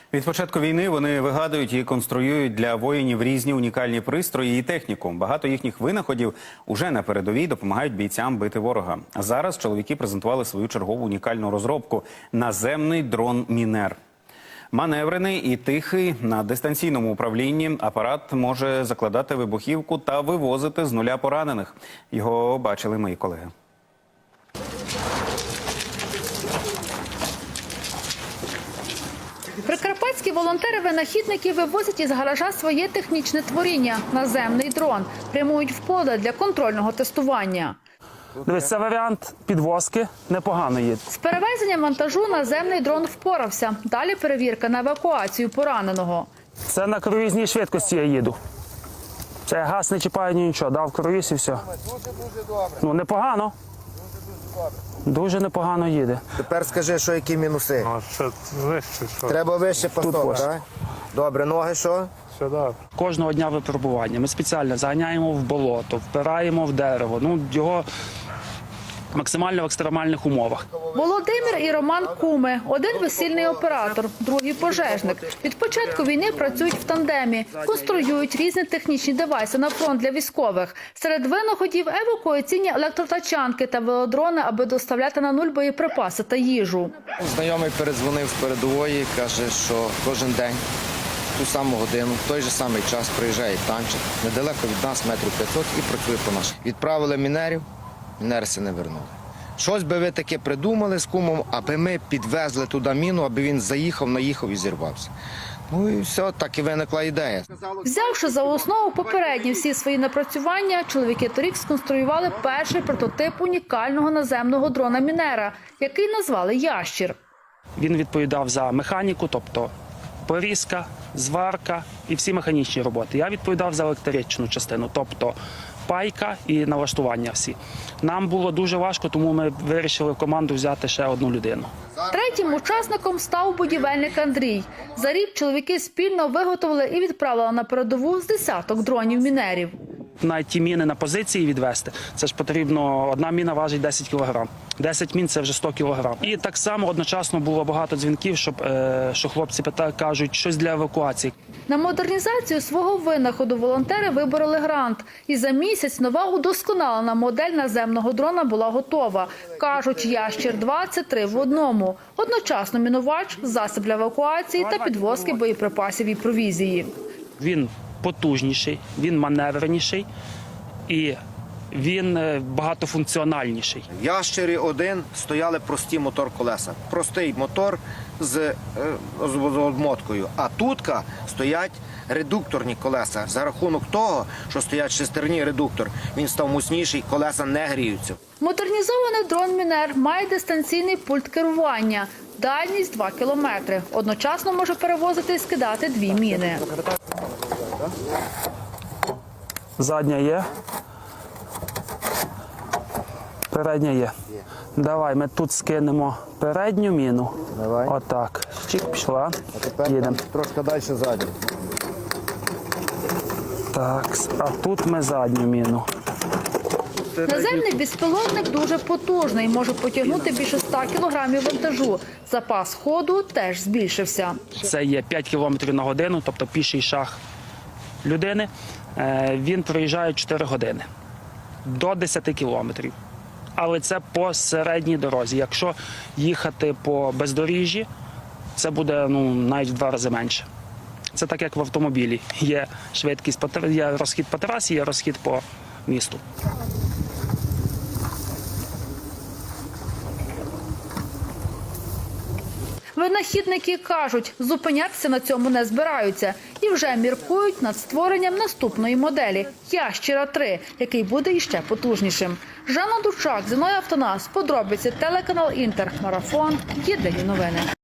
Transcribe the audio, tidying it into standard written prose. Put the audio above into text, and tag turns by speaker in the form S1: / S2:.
S1: Від початку війни вони вигадують і конструюють для воїнів різні унікальні пристрої і техніку. Багато їхніх винаходів уже на передовій допомагають бійцям бити ворога. А зараз чоловіки презентували свою чергову унікальну розробку – наземний дрон «Мінер». Маневрений і тихий, на дистанційному управлінні апарат може закладати вибухівку та вивозити з нуля поранених. Його бачили мої колеги.
S2: Прикарпатські волонтери-винахідники вивозять із гаража своє технічне творіння – наземний дрон. Прямують в поле для контрольного тестування.
S3: Дивись, це варіант підвозки, непогано їде.
S2: З перевезенням вантажу наземний дрон впорався. Далі перевірка на евакуацію пораненого.
S3: Це на круїзній швидкості я їду. Це газ не чіпає нічого, дав круїз і все.
S4: Дуже добре.
S3: Ну, непогано. Дуже непогано їде.
S4: Тепер скажи, що які мінуси.
S5: Що вище, що?
S4: Треба вище постов,
S3: ось.
S4: так? Добре, ноги що?
S5: Все добре.
S3: Кожного дня випробування. Ми спеціально заганяємо в болото, впираємо в дерево. Ну, його максимально в екстремальних умовах.
S2: Володимир і Роман – куми. Один весільний оператор, другий – пожежник. Від початку війни працюють в тандемі. Конструюють різні технічні девайси на фронт для військових. Серед винаходів – евакуаційні електротачанки та велодрони, аби доставляти на нуль боєприпаси та їжу.
S6: Знайомий передзвонив з передової, каже, що кожен день в ту саму годину, в той же самий час приїжджає танчик, недалеко від нас, метрів 500, і працює по нас. Відправили мінерів, мінерси не вернули. Щось би ви таке придумали з кумом, аби ми підвезли туди міну, аби він заїхав, наїхав і зірвався. Ну і все, так і виникла ідея.
S2: Взявши за основу попередні всі свої напрацювання, чоловіки торік сконструювали перший прототип унікального наземного дрона «Мінера», який назвали «Ящір».
S3: Він відповідав за механіку, тобто порізка, зварка і всі механічні роботи. Я відповідав за електричну частину, тобто пайка і налаштування всі. Нам було дуже важко, тому ми вирішили в команду взяти ще одну людину.
S2: Третім учасником став будівельник Андрій. За рік чоловіки спільно виготовили і відправили на передову з десяток дронів-мінерів.
S3: Навіть ті міни на позиції відвести, це ж потрібно, одна міна важить 10 кг. 10 мін – це вже 100 кг. І так само одночасно було багато дзвінків, що хлопці кажуть, щось для евакуації.
S2: На модернізацію свого винаходу волонтери вибороли грант. І за місяць нова удосконалена модель наземного дрона була готова. Кажуть, «Ящір-2» – це 3 в одному. Одночасно мінувач, засіб для евакуації та підвозки боєприпасів і провізії.
S3: Він потужніший, він маневреніший і він багатофункціональніший.
S4: В «Ящері» 1 стояли прості мотор-колеса. Простий мотор з обмоткою. А тут стоять редукторні колеса. За рахунок того, що стоять шестерні редуктор, він став міцніший, колеса не гріються.
S2: Модернізований дрон «Мінер» має дистанційний пульт керування. Дальність 2 кілометри. Одночасно може перевозити і скидати 2 міни.
S3: Задня є. Передня є. Давай, ми тут скинемо передню міну.
S4: Давай.
S3: Отак. Чик, пішла. Їдемо.
S4: Трошки далі ззаді.
S3: Так, а тут ми задню міну.
S2: Наземний безпілотник дуже потужний, може потягнути більше 100 кілограмів вантажу. Запас ходу теж збільшився.
S3: Це є 5 км на годину, тобто піший шаг людини. Він проїжджає 4 години до 10 кілометрів. Але це по середній дорозі. Якщо їхати по бездоріжжі, це буде навіть в 2 рази менше. Це так, як в автомобілі. Є швидкість, є розхід по трасі, є розхід по місту.
S2: Винахідники кажуть, зупинятися на цьому не збираються і вже міркують над створенням наступної моделі – «Ящіра-3», який буде іще потужнішим. Жанна Дучак, Зіновій Автонас, подробиці, телеканал «Інтер», Марафон, Єдині новини.